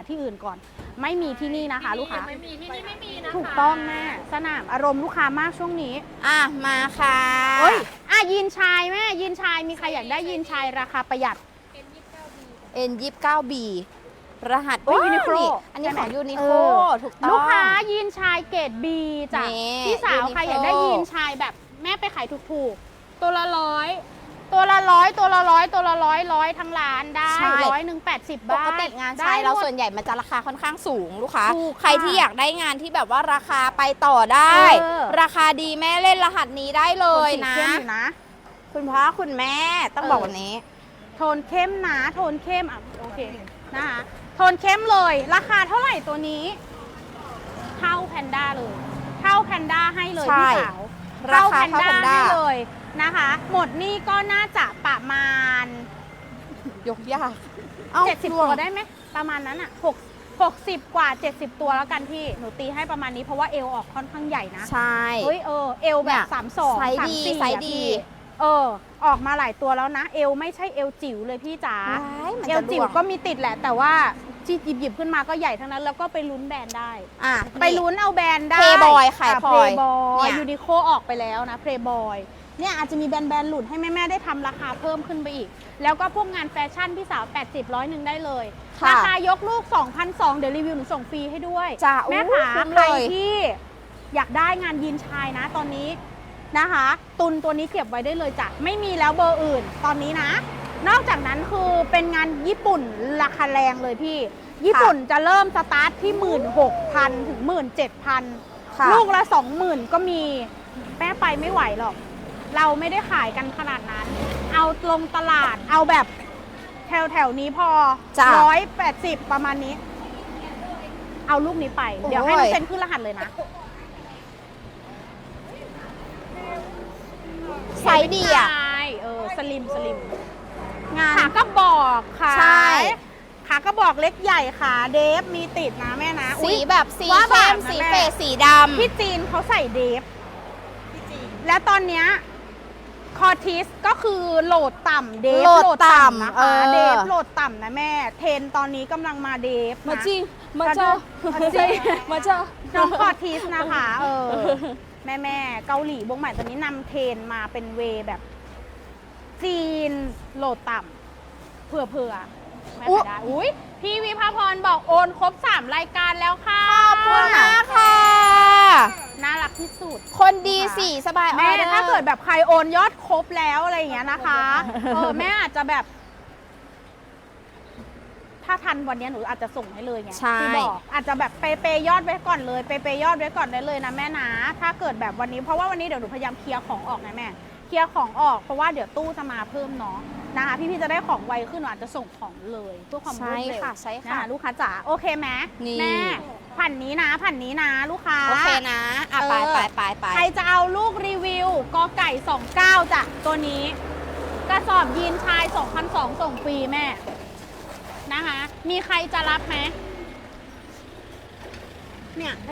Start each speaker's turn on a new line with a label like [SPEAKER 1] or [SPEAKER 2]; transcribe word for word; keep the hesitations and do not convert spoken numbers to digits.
[SPEAKER 1] ที่อื่นก่อนไม่มีที่นี่นะคะลูกค้า
[SPEAKER 2] ไม่มีที่นี่ไม่มีนะคะ
[SPEAKER 1] ถูกต้องแม่สนามอารมณ์ลูกค้ามากช่วงนี้
[SPEAKER 3] อ่ะมาค่ะ
[SPEAKER 1] เอ้ยอ่ะยีนชายแม่ยีนชายมีใครอยากได้ยีนชายราคาประหยัด
[SPEAKER 3] เอ็น ยี่สิบเก้า บี รหัส
[SPEAKER 1] โอ้ย Uniqlo
[SPEAKER 3] อันนี้ของ
[SPEAKER 1] ใช่ไหม
[SPEAKER 3] ยูนิ
[SPEAKER 1] เอ
[SPEAKER 3] โค
[SPEAKER 1] อ
[SPEAKER 3] ถูกต้อง
[SPEAKER 1] ลูกค้ายีนชายเกรด B จ้ะ
[SPEAKER 3] นี่
[SPEAKER 1] พี่สาวใคร
[SPEAKER 3] Uniqlo
[SPEAKER 1] อยากได้ยีนชายแบบแม่ไปขายถูกๆ ตัวละร้อยตัวละร้อยตัวละร้อยตัวละร้อยร้อยทั้งร้านได้
[SPEAKER 3] ใช่
[SPEAKER 1] ร้อยหนึ่งแปดสิบ
[SPEAKER 3] ป
[SPEAKER 1] บาท
[SPEAKER 3] กติงาน
[SPEAKER 1] ได้
[SPEAKER 3] ชายเรา
[SPEAKER 1] หมด
[SPEAKER 3] ส่วนใหญ่มันจะราคาค่อนข้างสูงลูกค้า
[SPEAKER 1] ถูกค่ะ
[SPEAKER 3] ใครที่อยากได้งานที่แบบว่าราคาไปต่อได้
[SPEAKER 1] เออ
[SPEAKER 3] ราคาดีแม่เล่นรหัสนี้ได้เลย
[SPEAKER 1] สี
[SPEAKER 3] นะ
[SPEAKER 1] เข้มอยู่นะ
[SPEAKER 3] คุณพ่อคุณแม่ต้อง
[SPEAKER 1] เออ
[SPEAKER 3] บอกวันนี้
[SPEAKER 1] โทนเข้มนะโทนเข้มอ่ะโอเคนะคะโทนเข้มเลยราคาเท่าไหร่ตัวนี้เท่าแพนด้าเลยเท่าแพนด้าให้เลย
[SPEAKER 3] ใช่
[SPEAKER 1] พี่สาว
[SPEAKER 3] ราคาเท่าแพนด้า
[SPEAKER 1] ให้เลยนะคะ หมดนี่ก็น่าจะประมาณ
[SPEAKER 3] ยกยากเอ้า
[SPEAKER 1] เจ็ดสิบ
[SPEAKER 3] ร
[SPEAKER 1] ตัวได้ไหมประมาณนั้นอ่ะหก หกสิบกว่าเจ็ดสิบตัวแล้วกันพี่หนูตีให้ประมาณนี้เพราะว่าเอวออกค่อนข้างใหญ่นะ
[SPEAKER 3] ใช่
[SPEAKER 1] เฮ้ยเออเอวแบ
[SPEAKER 3] เนี่
[SPEAKER 1] บ
[SPEAKER 3] ย
[SPEAKER 1] สามสอง
[SPEAKER 3] ไซส์
[SPEAKER 1] สาม
[SPEAKER 3] ดี
[SPEAKER 1] สี่
[SPEAKER 3] ไซส์
[SPEAKER 1] อะ
[SPEAKER 3] ดี
[SPEAKER 1] พี่เออออกมาหลายตัวแล้วนะ เอวไม่ใช่เอวจิ๋วเลยพี่จ๋า
[SPEAKER 3] ว้ายมัน
[SPEAKER 1] เอ
[SPEAKER 3] จะ
[SPEAKER 1] วจิ๋ว
[SPEAKER 3] ร่วง
[SPEAKER 1] ก็มีติดแหละ แต่ว่าจีหยิบหยิบขึ้นมาก็ใหญ่ทั้งนั้น แล้วก็ไปลุ้นแบรนด์ได้
[SPEAKER 3] อ่ะ
[SPEAKER 1] ไปลุ้นเอาแบรนด์ได้
[SPEAKER 3] Playboy ขาย
[SPEAKER 1] เพ
[SPEAKER 3] พลอย
[SPEAKER 1] ย์บอ
[SPEAKER 3] เนี่ย ย
[SPEAKER 1] ยูนิโคออกไปแล้วนะเพลย์บอยเนี่ยอาจจะมีแบรนด์แบรนด์หลุดให้แม่ๆได้ทำราคาเพิ่มขึ้นไปอีก แล้วก็พวกงานแฟชั่นพี่สาว แปดสิบ ร้อยหนึ่งได้เลย
[SPEAKER 3] ค่ะ
[SPEAKER 1] ราคายกลูก สองพันสองร้อย เดี๋ยวรีวิวหนูส่งฟรีให้ด้วย
[SPEAKER 3] จ้ะ
[SPEAKER 1] แม่
[SPEAKER 3] อู้
[SPEAKER 1] ขา
[SPEAKER 3] คุ้ม
[SPEAKER 1] ใคร
[SPEAKER 3] เลย
[SPEAKER 1] ที่อยากได้งานยีนชายนะตอนนี้นะคะ ตุนตัวนี้เก็บไว้ได้เลยจ้ะไม่มีแล้วเบอร์อื่นตอนนี้นะ นอกจากนั้นคือเป็นงานญี่ปุ่นราคาแรงเลยพี่ ญี่ปุ่นจะเริ่มสตาร์ทที่ หนึ่งหมื่นหกพัน ถึง หนึ่งหมื่นเจ็ดพัน
[SPEAKER 3] ค่ะ
[SPEAKER 1] ลูกละ สองหมื่น ก็มีแม่ไปไม่ไหวหรอก เราไม่ได้ขายกันขนาดนั้น เอาลงตลาดเอาแบบแถวแถวๆนี้พอ
[SPEAKER 3] จ้ะ
[SPEAKER 1] ร้อยแปดสิบประมาณนี้ เอาลูกนี้ไป
[SPEAKER 3] โอ้ย
[SPEAKER 1] เดี๋ยวให้น้องเซนขึ้นรหัสเลยนะ
[SPEAKER 3] ไซส์ดีอ่ะ
[SPEAKER 1] ใช่เออสลิมสลิม
[SPEAKER 3] งาน
[SPEAKER 1] ขากระบอกค่ะ
[SPEAKER 3] ใช่
[SPEAKER 1] ขากระบอกเล็กใหญ่ค่ะเดฟมีติดนะแม่นะ
[SPEAKER 3] สี
[SPEAKER 1] อุ๊ย
[SPEAKER 3] แบบสี
[SPEAKER 1] ว่าแบ
[SPEAKER 3] เข้
[SPEAKER 1] บ
[SPEAKER 3] ม
[SPEAKER 1] นะ
[SPEAKER 3] สี
[SPEAKER 1] แม่
[SPEAKER 3] เฟสสีดำ
[SPEAKER 1] ที่จีนเขาใส่เดฟและตอนเนี้ยคอทิสก็คือโหลดต่ำเดฟ
[SPEAKER 3] โหลดต่ำ
[SPEAKER 1] นะ
[SPEAKER 3] เอ
[SPEAKER 1] คะ
[SPEAKER 3] อ
[SPEAKER 1] เดฟโหลดต่ำนะแม่ เทรนตอนนี้กำลังมาเดฟนะ
[SPEAKER 3] มาจริงมาเจอ
[SPEAKER 1] มาจริง
[SPEAKER 3] มาเจอ
[SPEAKER 1] น้องคอทิสนะคะเออแม่แม่ๆเกาหลีวงใหม่ตอนนี้นำเทรนมาเป็นเวย์แบบ จีนโหลดต่ำเผื่อเผื่อๆไม่
[SPEAKER 3] อุ๊
[SPEAKER 1] ได้อุ้ยพี่วิภาพรบอกโอนครบสามรายการแล้วค่ะ
[SPEAKER 3] ขอบคุณมากค่ะ
[SPEAKER 1] น่ารักที่สุด
[SPEAKER 3] คนดีสีสบาย
[SPEAKER 1] แม่
[SPEAKER 3] ออดอร์
[SPEAKER 1] ถ้าเกิดแบบใครโอนยอดครบแล้วอะไรอย่างเงี้ยนะคะ เออแม่อาจจะแบบ ถ้าทันวันเนี้ยหนูอาจจะส่งให้เลยไง
[SPEAKER 3] ใช่
[SPEAKER 1] ที่บอกอาจจะแบบเปเปยอดไว้ก่อนเลยเปเปยอดไว้ก่อนได้เลยนะแม่นะถ้าเกิดแบบวันนี้เพราะว่าวันนี้เดี๋ยวหนูพยายามเคลียร์ของออกนะแม่เคลียร์ของออกเพราะว่าเดี๋ยวตู้จะมาเพิ่มเนาะนะคะพี่ๆจะได้ของไวขึ้นหนูอาจจะส่งของเลยเพื่อความร
[SPEAKER 3] ใช่
[SPEAKER 1] วดเร็ว
[SPEAKER 3] ค่ะใช่
[SPEAKER 1] นะ
[SPEAKER 3] ค่ะ
[SPEAKER 1] คะลูกค้าจ๋าโอเคไหม
[SPEAKER 3] นี่
[SPEAKER 1] แม่ผ่านนี้นะผ่านนี้นะ ลูกค้า
[SPEAKER 3] โอเคนะอ่ะไป
[SPEAKER 1] เออ
[SPEAKER 3] ไปไปไป
[SPEAKER 1] ใครจะเอาลูกรีวิวกอไก่สองเก้าจ้ะตัวนี้ กระสอบยีนชายสองพันสองร้อยส่งฟรีแม่นะคะ มีใครจะรับไหมเนี่ย